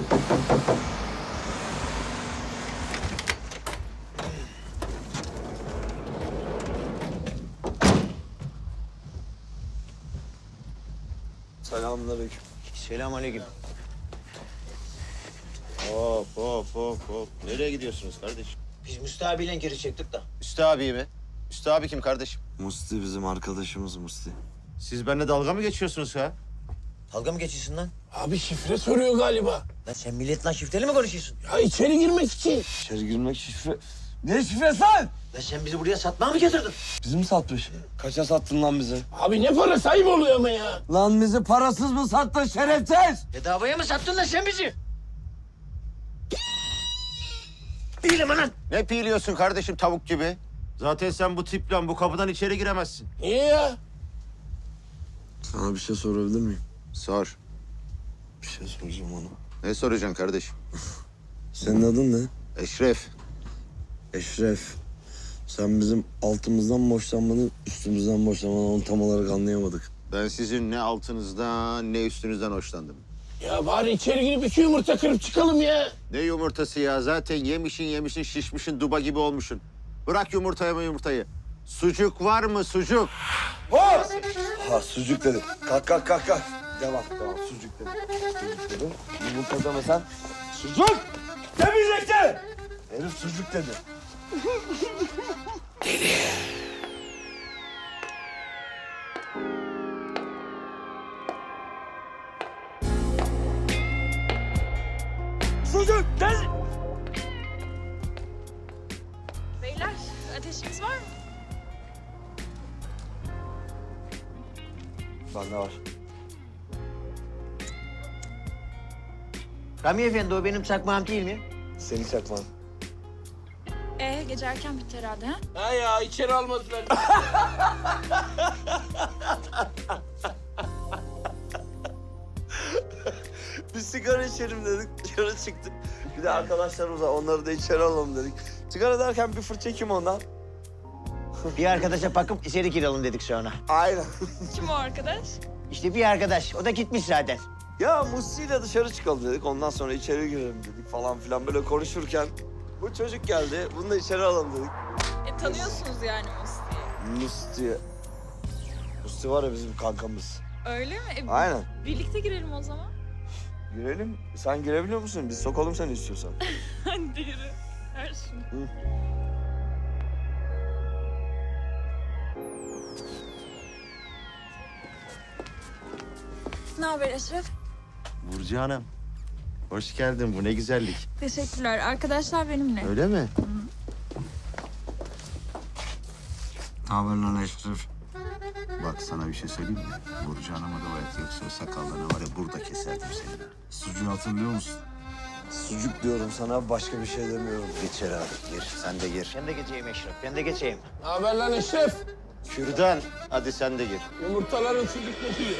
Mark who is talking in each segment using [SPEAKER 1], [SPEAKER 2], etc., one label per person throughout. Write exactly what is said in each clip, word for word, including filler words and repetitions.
[SPEAKER 1] Selamünaleyküm.
[SPEAKER 2] Selamünaleyküm.
[SPEAKER 3] Hop hop hop hop. Nereye gidiyorsunuz kardeşim?
[SPEAKER 2] Biz Mustafa abiyle geri çektik de.
[SPEAKER 3] Üstü abi mi? Üstü abi kim kardeşim?
[SPEAKER 1] Musti bizim arkadaşımız Musti.
[SPEAKER 3] Siz benimle dalga mı geçiyorsunuz ha?
[SPEAKER 2] Dalga mı geçiyorsun lan?
[SPEAKER 4] Abi şifre soruyor galiba.
[SPEAKER 2] Lan sen milletle şifreli mi konuşuyorsun?
[SPEAKER 4] Ya içeri girmek için.
[SPEAKER 1] İçeri girmek şifre... Ne şifresi lan?
[SPEAKER 2] Lan sen bizi buraya satmaya mı getirdin?
[SPEAKER 1] Bizi mi satmış? Kaça sattın lan bizi?
[SPEAKER 4] Abi ne para sahip oluyor ama ya.
[SPEAKER 1] Lan bizi parasız mı sattın şerefsiz?
[SPEAKER 2] Bedavaya mı sattın lan sen bizi? Değilim lan.
[SPEAKER 3] Ne piyliyorsun kardeşim tavuk gibi? Zaten sen bu tiple bu kapıdan içeri giremezsin.
[SPEAKER 4] Niye ya?
[SPEAKER 1] Sana bir şey sorabilir miyim?
[SPEAKER 3] Sor.
[SPEAKER 1] Bir şey soracağım ona.
[SPEAKER 3] Ne soracaksın kardeşim?
[SPEAKER 1] Senin adın ne?
[SPEAKER 3] Eşref.
[SPEAKER 1] Eşref. Sen bizim altımızdan mı hoşlanmanı, üstümüzden mi hoşlanmanı onu tam olarak anlayamadık.
[SPEAKER 3] Ben sizin ne altınızdan ne üstünüzden hoşlandım.
[SPEAKER 4] Ya bari içeri girip iki yumurta kırıp çıkalım ya.
[SPEAKER 3] Ne yumurtası ya? Zaten yemişin yemişin şişmişin duba gibi olmuşsun. Bırak yumurtayı mı yumurtayı. Sucuk var mı sucuk?
[SPEAKER 1] Ha sucuk dedi. Kalk kalk kalk kalk. Devam devam sucuk dedi. Sucuk dedi. Yumurta deme sen. Sucuk! Demeyecekti! Herif sucuk dedi. Sucuk! Gel!
[SPEAKER 5] Beyler, ateşiniz var mı?
[SPEAKER 1] Bende var.
[SPEAKER 2] Rami Efendi o benim çakmağım değil mi?
[SPEAKER 1] Seni çakmam.
[SPEAKER 5] Ee, gece erken bitti herhalde ha?
[SPEAKER 4] Ha ya içeri almadılar.
[SPEAKER 1] Biz sigara içelim dedik, dışarı çıktık. Bir de arkadaşlarımız var, onları da içeri alalım dedik. Sigara derken bir fırça kim ondan?
[SPEAKER 2] Bir arkadaşa bakıp içeri girelim dedik sonra.
[SPEAKER 1] Aynen.
[SPEAKER 5] Kim o arkadaş?
[SPEAKER 2] İşte bir arkadaş, o da gitmiş zaten.
[SPEAKER 1] Ya Musti'yle dışarı çıkalım dedik, ondan sonra içeri girelim dedik falan filan. Böyle konuşurken bu çocuk geldi, bunu da içeri alalım dedik.
[SPEAKER 5] E, tanıyorsunuz yani Musti'yi.
[SPEAKER 1] Musti... Musti var ya bizim kankamız.
[SPEAKER 5] Öyle mi? E,
[SPEAKER 1] Aynen.
[SPEAKER 5] Birlikte girelim o zaman.
[SPEAKER 1] Girelim. Sen girebiliyor musun? Biz sokalım seni istiyorsan.
[SPEAKER 5] Hadi yürü. Ver şunu.
[SPEAKER 1] Hı.
[SPEAKER 5] Ne haber Eşref?
[SPEAKER 3] Burcu Hanım. Hoş geldin. Bu ne güzellik.
[SPEAKER 5] Teşekkürler. Arkadaşlar benimle.
[SPEAKER 3] Öyle mi?
[SPEAKER 1] Ne haber lan Eşref?
[SPEAKER 3] Bak sana bir şey söyleyeyim mi? Burcu Hanım'a da bayat yoksa o sakallarını var ya burada keserdim seni.
[SPEAKER 1] Sucuğu hatırlıyor musun? Sucuk diyorum sana, başka bir şey demiyorum.
[SPEAKER 3] Gir içeri abi. Gir. Sen de gir.
[SPEAKER 2] Ben de geçeyim Eşref, ben de geçeyim.
[SPEAKER 4] Ne haber lan Eşref?
[SPEAKER 3] Kürdan. Hadi sen de gir.
[SPEAKER 4] Yumurtaların sucuk kokuyor.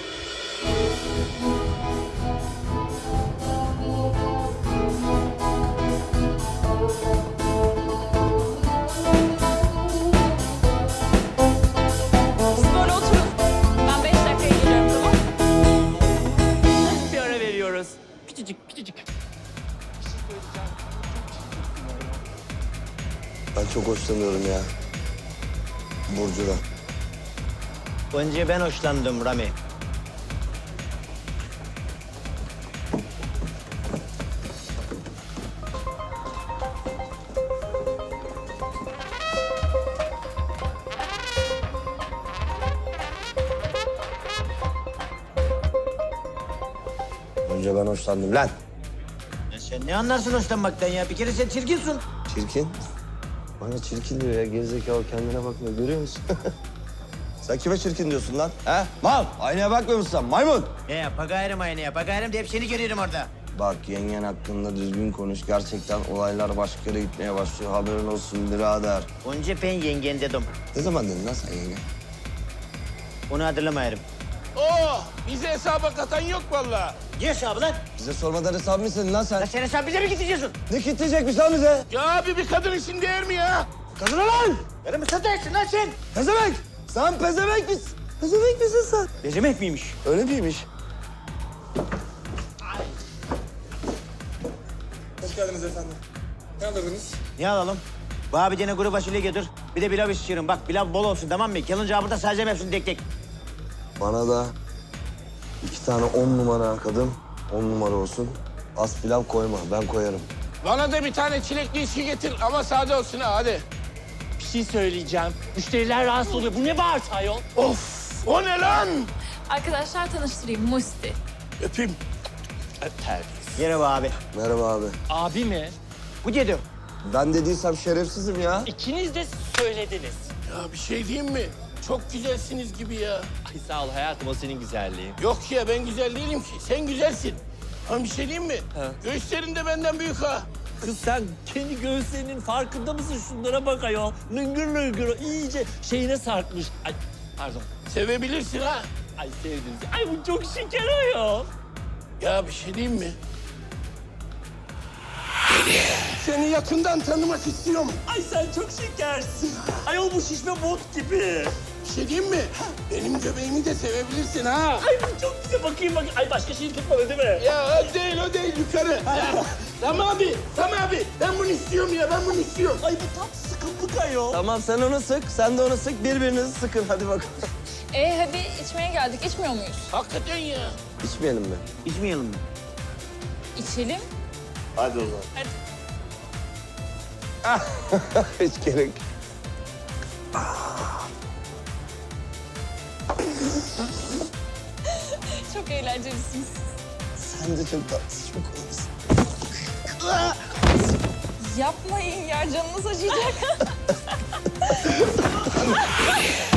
[SPEAKER 5] Siz böyle oturun. Ben beş dakikaya geliyorum, tamam mı?
[SPEAKER 2] Bir ara veriyoruz. Küçücük, küçücük.
[SPEAKER 1] Ben çok hoşlanıyorum ya. Burcu'dan.
[SPEAKER 2] Önce ben hoşlandım Rami.
[SPEAKER 1] Önce ben hoşlandım lan.
[SPEAKER 2] Ya sen ne anlarsın hoşlanmaktan ya? Bir kere sen çirkinsin.
[SPEAKER 1] Çirkin. Bana çirkin diyor ya. Gerizekalı kendine bakmıyor. Görüyor musun? Sen kime çirkin diyorsun lan? He? Mal. Aynaya bakmıyor musun sen? Maymun.
[SPEAKER 2] Ne ya? Pagayırım aynaya, pagayırım deyip seni görüyorum orada.
[SPEAKER 1] Bak yengen hakkında düzgün konuş. Gerçekten olaylar başka yere gitmeye başlıyor. Haberin olsun birader.
[SPEAKER 2] Önce ben yengen dedim.
[SPEAKER 1] Ne zaman dedin lan sen yenge?
[SPEAKER 2] Onu hatırlamayarım.
[SPEAKER 4] Oh, bize hesaba katan yok vallahi.
[SPEAKER 2] Ne hesabı lan?
[SPEAKER 1] Bize sormadan hesap mı istedin lan sen?
[SPEAKER 2] Lan sen hesap bize mi gideceksin?
[SPEAKER 1] Ne kitleyecekmiş lan bize?
[SPEAKER 4] Ya abi bir kadın için değer mi ya?
[SPEAKER 1] Kadına lan!
[SPEAKER 2] Benim mi satarsın lan sen?
[SPEAKER 1] Pezevenk! Sen pezevenk misin? Pezevenk misin sen?
[SPEAKER 2] Bezemek miymiş?
[SPEAKER 1] Öyle miymiş?
[SPEAKER 6] geldiniz efendim. Ne alırdınız?
[SPEAKER 2] Ne alalım? Bana bir tane kuru fasulye getir. Bir de pilav şişirin. Bak pilav bol olsun tamam mı? Kalınca burada sadece hepsini tek tek.
[SPEAKER 1] Bana da iki tane on numara kadın, on numara olsun. Az pilav koyma, ben koyarım.
[SPEAKER 4] Bana da bir tane çilekli içki getir ama sade olsun ha hadi.
[SPEAKER 7] Bir şey söyleyeceğim. Müşteriler rahatsız oluyor. Bu ne bağırtı ayol?
[SPEAKER 4] Of o ne lan?
[SPEAKER 5] Arkadaşlar tanıştırayım Musti.
[SPEAKER 4] Öpeyim.
[SPEAKER 2] Merhaba abi.
[SPEAKER 1] Merhaba abi.
[SPEAKER 7] Abi mi?
[SPEAKER 2] Bu dedi.
[SPEAKER 1] Ben dediysem şerefsizim ya.
[SPEAKER 7] İkiniz de söylediniz.
[SPEAKER 4] Ya bir şey diyeyim mi? Çok güzelsiniz gibi ya.
[SPEAKER 7] Ay sağ ol hayatım, o senin güzelliğin.
[SPEAKER 4] Yok ya ben güzel değilim ki. Sen güzelsin. Ama bir şey diyeyim mi?
[SPEAKER 7] Ha.
[SPEAKER 4] Göğüslerin de benden büyük ha.
[SPEAKER 7] Kız sen kendi göğüslerinin farkında mısın? Şunlara bak ayol. Lıngır lıngır iyice şeyine sarkmış. Ay pardon.
[SPEAKER 4] Sevebilirsin ha.
[SPEAKER 7] Ay sevdim. Ay bu çok şeker ayol.
[SPEAKER 4] Ya bir şey diyeyim mi? Seni yakından tanımak istiyorum.
[SPEAKER 7] Ay sen çok şekersin. Ayol bu şişme bot gibi.
[SPEAKER 4] Bir şey diyeyim mi? Benim göbeğimi de sevebilirsin ha.
[SPEAKER 7] Ay bu çok güzel. Bakayım bak. Ay başka şey tutmadı değil mi?
[SPEAKER 4] Ya o değil, o değil. Yukarı. Ya, Tamam abi, tamam abi. Ben bunu istiyorum ya, ben bunu istiyorum.
[SPEAKER 7] Ay bu tam sıkıntılık ayol.
[SPEAKER 1] Tamam sen onu sık, sen de onu sık. Birbirinizi sıkın hadi bakalım.
[SPEAKER 5] E hadi içmeye geldik. İçmiyor muyuz?
[SPEAKER 4] Hakikaten ya.
[SPEAKER 1] İçmeyelim mi?
[SPEAKER 2] İçmeyelim mi?
[SPEAKER 5] İçelim.
[SPEAKER 1] Hadi o zaman.
[SPEAKER 5] Hadi.
[SPEAKER 1] Hiç gerek.
[SPEAKER 5] Çok eğlencelisiniz.
[SPEAKER 1] Sen de çok tatlısın, çok komisin.
[SPEAKER 5] Yapmayın ya canınız acıyacak.